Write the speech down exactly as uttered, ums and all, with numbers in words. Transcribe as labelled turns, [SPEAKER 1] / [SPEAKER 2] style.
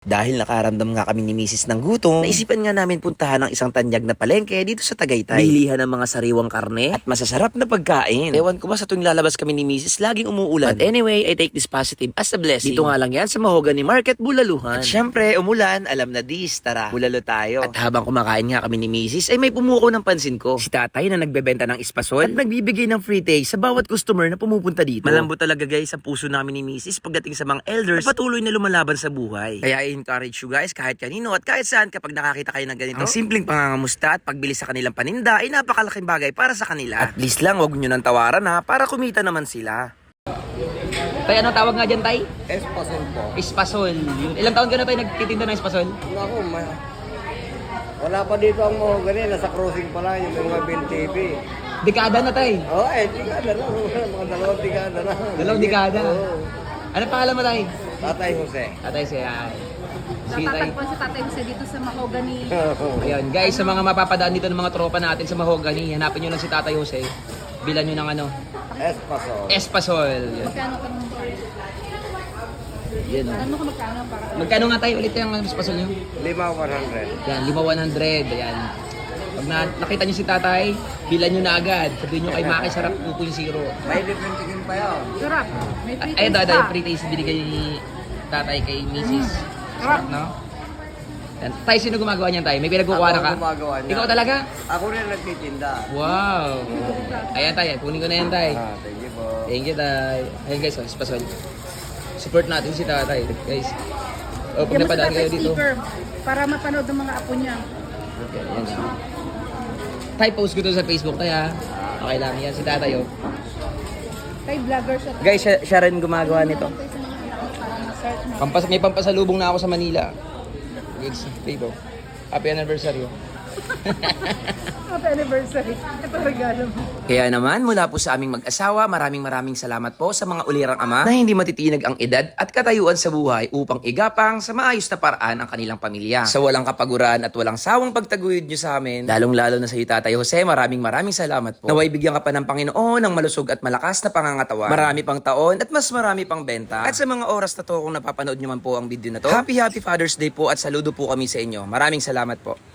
[SPEAKER 1] Dahil nakaramdam nga kami ni misis ng gutom, naisipan nga namin puntahan ang isang tanyag na palengke dito sa Tagaytay. Bilihan ng mga sariwang karne at masasarap na pagkain. Ewan ko ba sa tuwing lalabas kami ni misis, laging umuulan. But anyway, I take this positive as a blessing. Dito nga lang yan sa Mahogany Market, Bulaluhan. At syempre, umulan, alam na dis, tara, bulalo tayo. At habang kumakain nga kami ni misis, ay may pumuko ng pansin ko. Si tatay na nagbebenta ng espasol at nagbibigay ng free taste sa bawat customer na pumupunta dito. Malambot talaga guys sa puso namin ni misis pagdating sa mga elders na patuloy na lumalaban sa buhay. Kaya encourage you guys kahit kanino at kahit saan kapag nakakita kayo ng ganito. Ang simpleng pangangamusta at pagbili sa kanilang paninda ay napakalaking bagay para sa kanila. At least lang wag nyo nang tawaran ha para kumita naman sila.
[SPEAKER 2] Tay, ano tawag nga dyan, Tay?
[SPEAKER 3] Espasol po.
[SPEAKER 2] Espasol. Yun. Ilang taon ka na, Tay, nagtitinda ng espasol?
[SPEAKER 3] Naku, ma wala pa dito ang Mahogany. Nasa crossing pa lang yung mga Bin T V.
[SPEAKER 2] Dekada na, Tay.
[SPEAKER 3] Oo, oh, eh, dekada na. Mga dalawang dekada na.
[SPEAKER 2] Dalawang dekada.
[SPEAKER 3] Oo.
[SPEAKER 2] Ano pangalan mo, Tay?
[SPEAKER 3] Tatay Jose.
[SPEAKER 2] Tatay siya. Sige, Tay.
[SPEAKER 4] Natatagpuan si Tatay Jose dito sa Mahogany.
[SPEAKER 2] Ayun, guys, sa mga mapapadaan dito ng mga tropa natin sa Mahogany, hanapin nyo lang si Tatay Jose. Bilan nyo ng ano?
[SPEAKER 3] Espasol.
[SPEAKER 2] Espasol. Yun.
[SPEAKER 4] Magkano ka nung
[SPEAKER 2] Yun, oh.
[SPEAKER 4] Ano ko magkano para?
[SPEAKER 2] Magkano nga tayo ulit yung espasol nyo?
[SPEAKER 3] Lima, one hundred.
[SPEAKER 2] Yan, lima one hundred. Ayan. Pag na, nakita nyo si Tatay, bilan nyo na agad. Sabihin nyo kay Maki, sarap two point oh.
[SPEAKER 3] May different chicken pa yun.
[SPEAKER 4] Sarap. May free
[SPEAKER 2] Ay,
[SPEAKER 4] taste
[SPEAKER 2] dada,
[SPEAKER 4] pa.
[SPEAKER 2] free taste binigay ni Tatay kay Missus Sarap, no? Yan. Tay, sino gumagawa niyan, Tay? May pinagkukuha na
[SPEAKER 3] Ako
[SPEAKER 2] ka?
[SPEAKER 3] gumagawa niya.
[SPEAKER 2] Ikaw talaga?
[SPEAKER 3] Ako rin nagtitinda.
[SPEAKER 2] Wow! Ayan, Tay. Kunin ko na yan, Tay.
[SPEAKER 3] Ah, thank you po.
[SPEAKER 2] Thank you, Tay. Ayan, guys. Oh, spasol. Support natin si Tatay, guys. Oh, pag
[SPEAKER 4] Bigyan mo si
[SPEAKER 2] napadaan
[SPEAKER 4] Tatay
[SPEAKER 2] kayo dito.
[SPEAKER 4] sticker para mapanood ng mga apo niya.
[SPEAKER 2] Yan, yan, yan. Tay, post ko to sa Facebook, Tay, ha? Okay lang. Yan, si Tatay, oh.
[SPEAKER 4] Kay vlogger siya.
[SPEAKER 2] Guys, siya, siya rin gumagawa nito.
[SPEAKER 4] Tayo sa mga anak para ma-search mo.
[SPEAKER 2] Pampas, may pampasalubong na ako sa Manila. Guys, dito. Happy anniversary. oh.
[SPEAKER 4] Happy anniversary. Ito regalo mo.
[SPEAKER 1] Kaya naman, mula po sa aming mag-asawa, maraming maraming salamat po sa mga ulirang ama na hindi matitinag ang edad at katayuan sa buhay upang igapang sa maayos na paraan ang kanilang pamilya. Sa walang kapaguran at walang sawang pagtaguyod nyo sa amin, lalong-lalo na sa iyo, Tatay Jose, maraming maraming salamat po. Naway bigyan ka pa ng Panginoon ng malusog at malakas na pangangatawan. Marami pang taon at mas marami pang benta. At sa mga oras na to, kung napapanood nyo man po ang video na to, Happy Happy Father's Day po at saludo po kami sa inyo. Maraming salamat po.